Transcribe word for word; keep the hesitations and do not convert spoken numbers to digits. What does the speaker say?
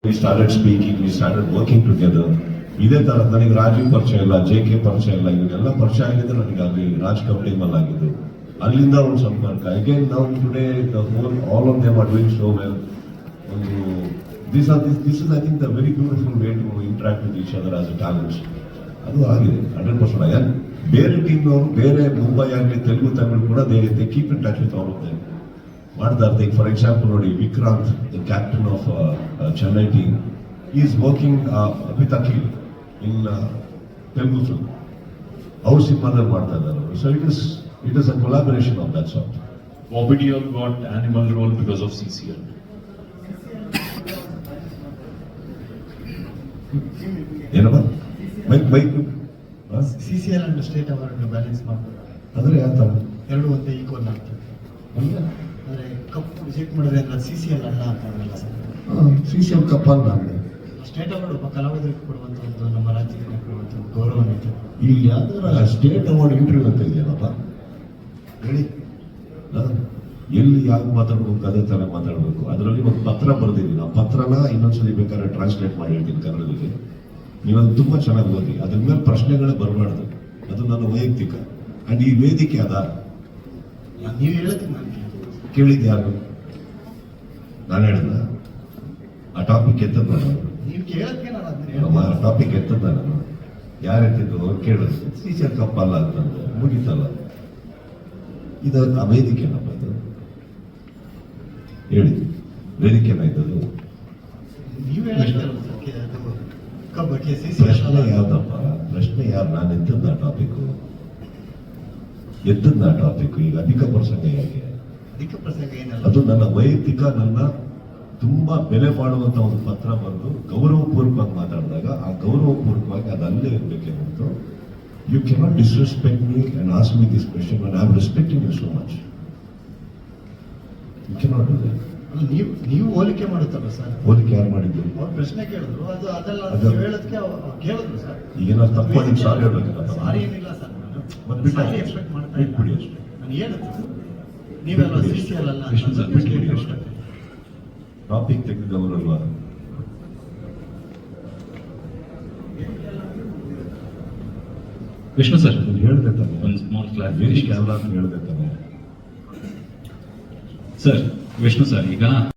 We started speaking, we started working together. ಇದೇ ತರ ನನಗೆ ರಾಜೀವ್ ಪರಿಚಯ ಇಲ್ಲ, ಜೆ ಕೆ ಪರಿಚಯ ಇಲ್ಲ, ಇವನ್ನೆಲ್ಲ ಪರಿಚಯ ಆಗಿದ್ದು ನನಗೆ ಅಲ್ಲಿ ರಾಜ್ ಕಂಪ್ನಿ ಮೇಲೆ ಆಗಿದ್ದು. ಅಲ್ಲಿಂದ ಒಂದು ಸಂಪರ್ಕ. ಅಗೇನ್ ನಾವು today all of them are doing so well. ಒಂದು this are this this is I think the very beautiful way to interact with each other as a talents. ಅದು ಆಗಿದೆ ಹಂಡ್ರೆಡ್ ಪರ್ಸೆಂಟ್. ಯಾರು ಬೇರೆ ಟೀಮ್ನವರು ಬೇರೆ ಮುಂಬೈ ಆಗಲಿ ತೆಲುಗು ತಮಿಳು ಕೂಡ they they keep in touch with all of them ಮಾಡ್ತಾ ಇರ್ತೀವಿ. ಫಾರ್ ಎಕ್ಸಾಂಪಲ್ ನೋಡಿ, Vikranth the captain of Chennai team is working with Akhil in Telugu film. ಅವ್ರ ಸಿನಿಮಾದಲ್ಲಿ ಮಾಡ್ತಾ ಇದ್ದಾರೆ. So it is it is a collaboration of that sort. Bobby Deol got animal role because of C C L. ಏನಪ್ಪ bike bike C C L and state award balance ಮಾಡ್ತಾರೆ. ಅಂದ್ರೆ ಯಾವ ಥರ ಎರಡು ಒಂದೇ ಈಕ್ವಲ್ ಆಗ್ತದೆ. ಅಂದರೆ ಕಪ್ ರಿಜೆಕ್ಟ್ ಮಾಡಿದ್ರೆ ಅಂದ್ರೆ ಸಿ ಸಿ ಎಲ್ ಅಲ್ಲ ಅಂತ ಆಗಲ್ಲ sir. C C L cup ಅಲ್ಲ ಅಂದರೆ ಸ್ಟೇಟ್ ಅವಾರ್ಡ್ ಒಬ್ಬ ಕಲಾವಿದರಿಗೆ ಕೊಡುವಂಥ ಒಂದು ನಮ್ಮ ರಾಜ್ಯದಿಂದ ಕೊಡುವಂಥ ಒಂದು ಗೌರವ ಇದೆ. ಈಗ ಯಾವ್ದಾರ ಸ್ಟೇಟ್ ಅವಾರ್ಡ್ ಇಂಟರ್ವ್ಯೂ ಅಂತ ಇದೆಯಲ್ಲಪ್ಪ ಹೇಳಿ. ಎಲ್ಲಿ ಯಾಕೆ ಮಾತಾಡ್ಬೇಕು ಅದೇ ಥರ ಮಾತಾಡಬೇಕು. ಅದರಲ್ಲಿ ಒಂದು ಪತ್ರ ಬರೆದಿದ್ದೀನಿ. ಆ ಪತ್ರನ ಇನ್ನೊಂದ್ಸಲಿ ಬೇಕಾದ್ರೆ ಟ್ರಾನ್ಸ್ಲೇಟ್ ಮಾಡಿ ಹೇಳ್ತೀನಿ ಕನ್ನಡದಲ್ಲಿ. ನೀವದು ತುಂಬ ಚೆನ್ನಾಗಿ ಓದಿ. ಅದ್ರ ಮೇಲೆ ಪ್ರಶ್ನೆಗಳೇ ಬರಬಾರ್ದು. ಅದು ನನ್ನ ವೈಯಕ್ತಿಕ. ಅಂಡ್ ಈ ವೇದಿಕೆ ಅದ ನೀವು ಹೇಳೋದಕ್ಕೆ ನಾನು ಕೇಳಿದ್ದು ಯಾರು? ನಾನು ಹೇಳಿದ ಆ ಟಾಪಿಕ್ ಎತ್ತದ ನಾನು ನೀವು ಕೇಳೋದಕ್ಕೆ ನಾನು ಅದನ್ನ ಆ ಟಾಪಿಕ್ ಎತ್ತದ ನಾನು ಯಾರು ಎತ್ತಿದ್ದು ಅವ್ರು ಕೇಳಿದ್ರು. ಟೀಚರ್ ಕಪ್ಪಲ್ಲ ಅಂತಂದ್ರೆ ಮುಗಿತಲ್ಲ. ಇದು ಆ ವೇದಿಕೆನಪ್ಪ ಇದು ಹೇಳಿ. ವೇದಿಕೆನ ಇದ್ದದು ನೀವು ಹೇಳೋದಕ್ಕೆ ಅದು ಕಬ್ಬಕ್ಕೆ ಸಿ ಸಿ ಪ್ರಶ್ನೆ ಯಾವ್ದಪ್ಪ? ಪ್ರಶ್ನೆ ಯಾರು? ನಾನು ಎತ್ತದ ಆ ಟಾಪಿಕ್ ಎತ್ತದ ಆ ಟಾಪಿಕ್ ಈಗ ಅಧಿಕ ಪ್ರಸಂಗ ಹೇಗೆ? ಅಧಿಕ ಪ್ರಸಂಗ ಏನಲ್ಲ. ಅದು ನನ್ನ ವೈಯಕ್ತಿಕ, ನನ್ನ ತುಂಬಾ ಬೆಲೆ ಬಾಳುವಂತ ಒಂದು ಪತ್ರ ಬರೆದು ಗೌರವಪೂರ್ವಕವಾಗಿ ಮಾತಾಡಿದಾಗ ಆ ಗೌರವಪೂರ್ವಕವಾಗಿ ಅದು ಅಲ್ಲೇ ಇರಬೇಕೆ ಹೊರತು you cannot disrespect me and ask me this question and I am respecting you so much. You cannot do that. ನೀವು ನೀವು ಹೋಲಿಕೆ ಮಾಡುತ್ತಲ್ಲ ಸರ್. ಹೋಲಿಕೆ ಯಾರು ಮಾಡಿದ್ರು? ಅವ್ರು ಪ್ರಶ್ನೆ ಕೇಳಿದ್ರು, ಅದು ಅದೆಲ್ಲ ಅದು- ನೀವು ಹೇಳೋದಕ್ಕೆ ಅವ್ರು ಕೇಳಿದ್ರು ಸರ್. ಈಗೇನಾದ್ರು ತಪ್ಪು ಮಾಡಿದ್ರೆ ಸಾರಿ ಹೇಳ್ಬೇಕಲ್ಲ. ಸಾರಿ ಏನಿಲ್ಲ ಸರ್. ಮತ್ತೆ ಬಿಟ್ಟು ಸಾರಿ ಎಕ್ಸ್ಪೆಕ್ಟ್ ಮಾಡ್ತಾ ಇಲ್ಲ. ಬಿಟ್ಬಿಡಿ ಅಷ್ಟೇ. ನಾನು ಹೇಳುತ್ತೆ ನೀವೆಲ್ಲ ಸಿ ಸಿ ಎಲ್ ಅಲ್ಲ ಕೃಷ್ಣ ಸರ್, ಬಿಟ್ಬಿಡಿ ಅಂತ. ಅಷ್ಟೇ. ಟಾಪಿಕ್ ತೆಗೆದವರಲ್ವಾ? ವಿಷ್ಣು ಸರ್, ನಾನು ಹೇಳ್ದೆ ತಾನೆ, ಒಂದು ಸ್ಮಾಲ್ ವೇದಿಕೆ ಕ್ಲಾರಿಫಿಕೇಶನ್ ಕ್ಯಾಮ್ರಾ ಅಂತ ಹೇಳ್ದೆ ತಾನೆ. ಸರ್. ವಿಷ್ಣು ಸರ್, ಈಗ